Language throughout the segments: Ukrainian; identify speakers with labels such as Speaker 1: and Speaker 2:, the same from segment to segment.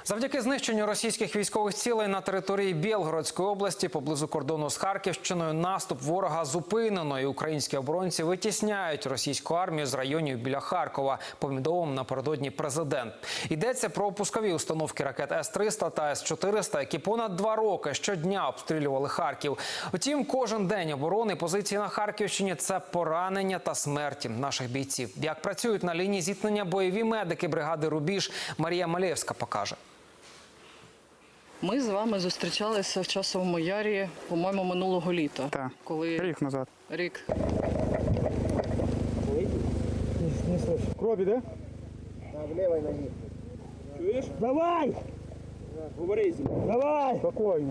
Speaker 1: Завдяки знищенню російських військових цілей на території Білгородської області поблизу кордону з Харківщиною наступ ворога зупинено, і українські оборонці витісняють російську армію з районів біля Харкова, повідомив напередодні президент. Йдеться про пускові установки ракет С-300 та С-400, які понад 2 роки щодня обстрілювали Харків. Втім, кожен день оборони позиції на Харківщині – це поранення та смерті наших бійців. Як працюють на лінії зіткнення бойові медики бригади «Рубіж», Марія Малєвська покаже.
Speaker 2: Ми з вами зустрічалися в Часовому Ярі, по-моєму, минулого літа.
Speaker 3: Так,
Speaker 2: коли...
Speaker 3: рік назад.
Speaker 2: Рік.
Speaker 3: Не слышу. Кровь, да?
Speaker 4: Да, в левой ноге.
Speaker 3: Чуєш? Давай!
Speaker 4: Говори.
Speaker 3: Давай! Спокойно.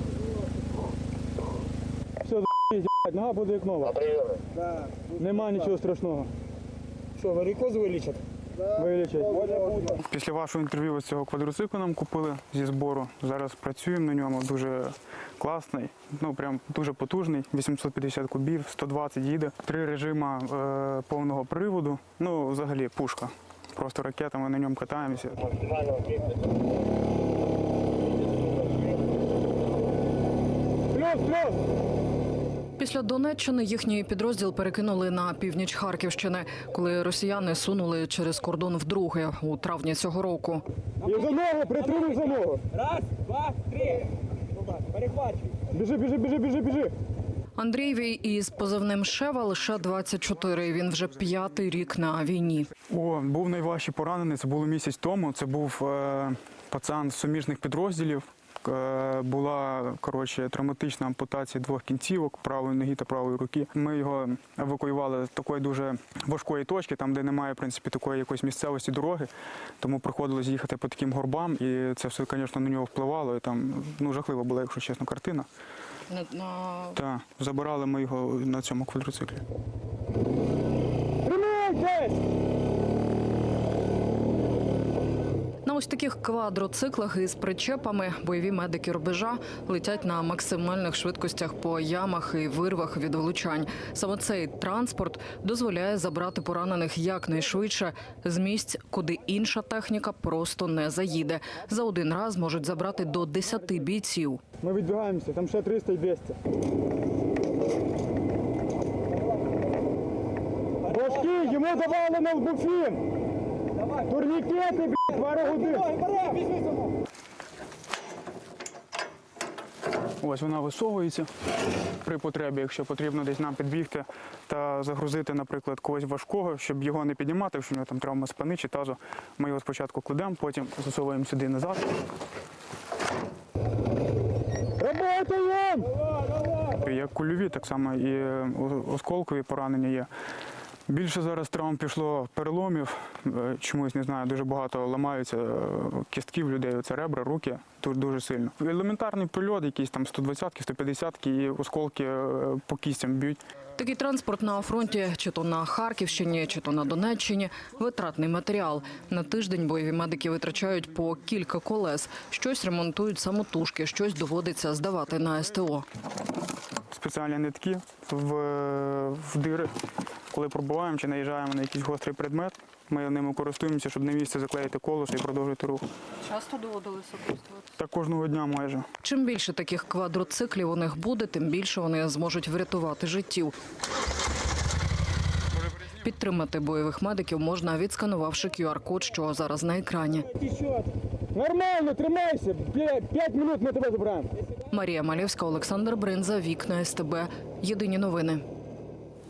Speaker 3: Все, за***ь, нога буде як нова.
Speaker 4: Да.
Speaker 3: Нема нічого страшного.
Speaker 4: Що, варикоз вилічать?
Speaker 3: Вилічать.
Speaker 4: Буде.
Speaker 3: Після вашого інтерв'ю ось цього квадроциклу нам купили зі збору. Зараз працюємо на ньому, дуже класний, прям дуже потужний, 850 кубів, 120 їде. 3 режима повного приводу, взагалі пушка. Просто ракетами на ньому катаємося. Плюс!
Speaker 2: Після Донеччини їхній підрозділ перекинули на північ Харківщини, коли росіяни сунули через кордон вдруге у травні цього року.
Speaker 3: І за ногу, притримуй за ногу.
Speaker 4: Раз, два, три. Перехвачуй.
Speaker 3: Біжи.
Speaker 2: Андрієвій із позивним «Шева» лише 24. Він вже 5-й рік на війні.
Speaker 3: Був найважчий поранений, це було місяць тому. Це був пацан з суміжних підрозділів. Була, травматична ампутація 2 кінцівок, правої ноги та правої руки. Ми його евакуювали з такої дуже важкої точки, там, де немає, в принципі, такої якоїсь місцевості дороги. Тому приходилось їхати по таким горбам, і це все, звісно, на нього впливало. І там, жахлива була, якщо чесно, картина. Так, забирали ми його на цьому квадроциклі. Тримайтесь!
Speaker 2: На ось таких квадроциклах із причепами бойові медики «Рубежа» летять на максимальних швидкостях по ямах і вирвах від влучань. Саме цей транспорт дозволяє забрати поранених якнайшвидше з місць, куди інша техніка просто не заїде. За один раз можуть забрати до 10 бійців.
Speaker 3: Ми відбігаємося, там ще 300 і 200. Башки, йому давали на лбуфін! Турнікети, пару годин. Ось вона висовується при потребі, якщо потрібно десь нам підбігти та загрузити, наприклад, когось важкого, щоб його не піднімати, якщо у нього там травма спини чи тазу. Ми його спочатку кладемо, потім засовуємо сюди назад. Работаємо! Як кульові, так само і осколкові поранення є. Більше зараз травм пішло переломів, чомусь, не знаю, дуже багато ламаються кістків людей, це ребра, руки, дуже сильно. Елементарний прильот, якісь там 120-ки, 150-ки і осколки по кістям б'ють.
Speaker 2: Такий транспорт на фронті, чи то на Харківщині, чи то на Донеччині – витратний матеріал. На тиждень бойові медики витрачають по кілька колес. Щось ремонтують самотужки, щось доводиться здавати на СТО.
Speaker 3: Спеціальні нитки в дири. Коли пробуваємо чи наїжджаємо на якийсь гострий предмет, ми ними користуємося, щоб на місце заклеїти колесо і продовжити рух.
Speaker 2: Часто доводилося користуватися?
Speaker 3: Так кожного дня майже.
Speaker 2: Чим більше таких квадроциклів у них буде, тим більше вони зможуть врятувати життів. Підтримати бойових медиків можна, відсканувавши QR-код, що зараз на екрані.
Speaker 3: Нормально, тримайся. 5 хвилин ми тебе забираємо.
Speaker 2: Марія Малєвська, Олександр Бринза, Вікна СТБ. Єдині новини.